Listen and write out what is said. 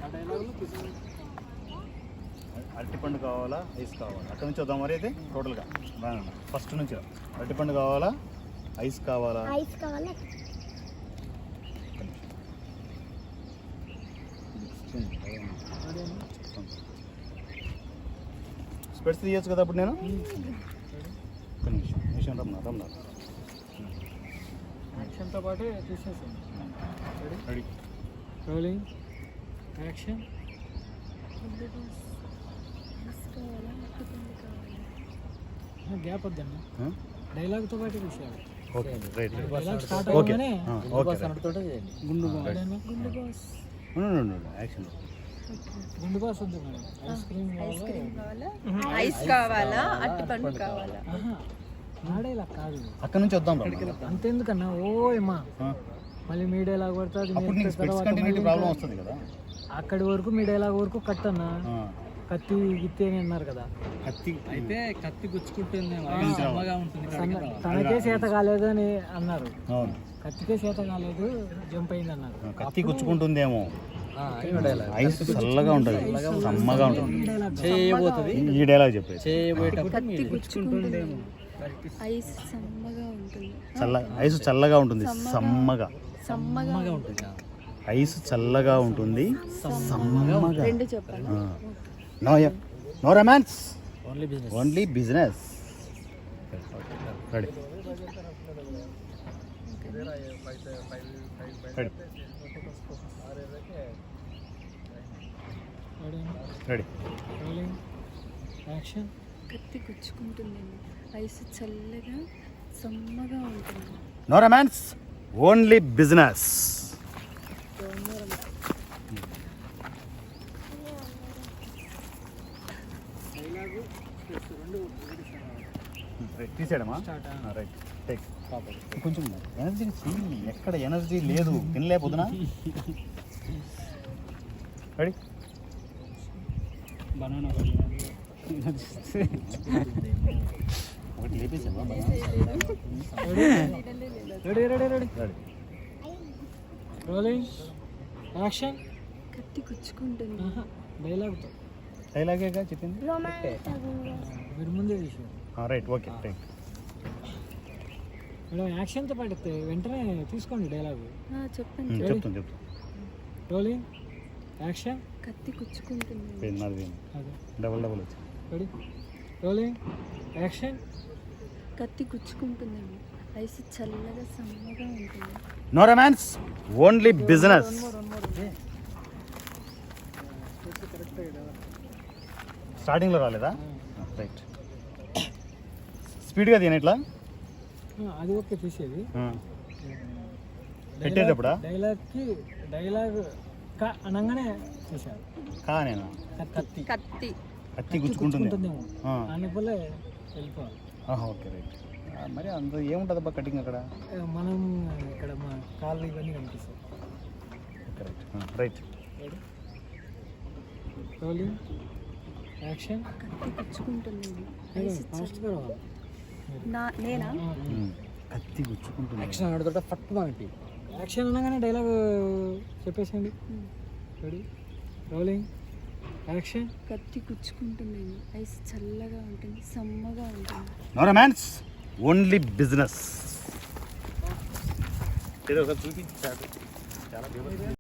అరటిపండు కావాలా ఐస్ కావాలా అక్కడ నుంచి వద్దాం మరి అయితే టోటల్గా ఫస్ట్ నుంచి అరటిపండు కావాలా ఐస్ కావాలా స్పెట్స్ తీయచ్చు కదా అప్పుడు నేను ఒక్క నిమిషం రమ్మన్నా యాక్షన్తో పాటే తీసేసాను. Ready rolling action. గ్యాప్ వద్దన్నా, డైలాగ్తో పాటు తీసేయాలి. Okay right dialogue start okay అవ్వగానే గుండు యాక్షన్ గుండు బాస్ వద్దు మేడం. ఐస్ కావాలా అరటిపండు కావాలా? నా డైలాగ్ కాదు, అక్కడ నుంచి వద్దాం అంతెందుకన్నా. ఓ ఏమా మళ్ళీ మీ డైలాగ్ పడుతుంది, ప్రాబ్లం వస్తుంది కదా. అక్కడి వరకు మీ డైలాగ్ వరకు కట్ అన్నా. కత్తి గిత్తి అని అన్నారు కదా, కత్తి అయితే కత్తి గుచ్చుకుంటుంది, తనకే చేత కాలేదు అని అన్నారు. అవును కత్తికే చేత కాలేదు, జంప్ అయింది అన్నారు. కత్తి గుచ్చుకుంటుందేమో, ఐస్ చల్లగా ఉంటుంది, సమ్మగా ఉంటుంది. చేయబోతుంది ఈ డైలాగ్ చెప్పేసి కత్తి గుచ్చుకుంటుందేమో, ఐస్ సమ్మగా ఉంటుంది. ఐస్ చల్లగా ఉంటుంది, సమ్మగా సమ్మగా ఉంటుంది. ఐస్ చల్లగా ఉంటుంది, సమ్మగా. రెండు చెప్పాలి. No romance, only business. Ready ready rolling action. కత్తి గుచ్చుకుంటుందేమో, ఐస్ చల్లగా సమ్మగా ఉంటుంది. No romance, only business. తీసాడమ్మా, రైట్ టేక్. కొంచెం ఎనర్జీ ఎక్కడ ఎనర్జీ లేదు, తినలేకపోతున్నా. రెడీ బనానా ఒకటి లేపేసావా? Ready ready ready rolling action. కత్తి గుచ్చుకుంటుంది. డైలాగ్తో. డైలాగేగా చెప్పింది, మీరు ముందే తీసారు. Right okay take. మేడం యాక్షన్తో పడితే వెంటనే తీసుకోండి డైలాగు. చెప్పండి. చెప్తాను రోలింగ్ యాక్షన్. కత్తి గుచ్చుకుంటుంది. నాది అదే డబల్ వచ్చి. Ready rolling action. కత్తి గుచ్చుకుంటుందేమో, ఐస్ చల్లగా సమ్మగా ఉంటుంది. No romance, only business. స్టార్టింగ్లో రాలేదా? రైట్ స్పీడ్గా తిన ఇట్లా. అది ఓకే తీసేది. పెట్టేటప్పుడా డైలాగ్కి డైలాగ్ కా అనగానే తీసారు. నేను కత్తి కత్తి కత్తి గుచ్చుకుంటుంది. అనుకోలే వెళ్ళిపోవాలి. Okay right. మరి అందులో ఏముంటుంది అబ్బా కటింగ్ అక్కడ? మనం ఇక్కడ మా కాళ్ళు ఇవన్నీ కనిపిస్తాయి. Right rolling action. కత్తి గుచ్చుకుంటుందేమో, ఐస్ ఫాస్ట్గా రావాలి. నేనా? కత్తి గుచ్చుకుంటుంది. యాక్షన్ ఆడుతుంటే ఫట్ మనకి యాక్షన్ అనగానే డైలాగ్ చెప్పేసండి. Ready rolling action. కత్తి గుచ్చుకుంటుందేమో, ఐస్ చల్లగా ఉంటుంది, సమ్మగా ఉంటుంది. No romance, only business. ఏదో ఒకటి చూపించాడు. చాలా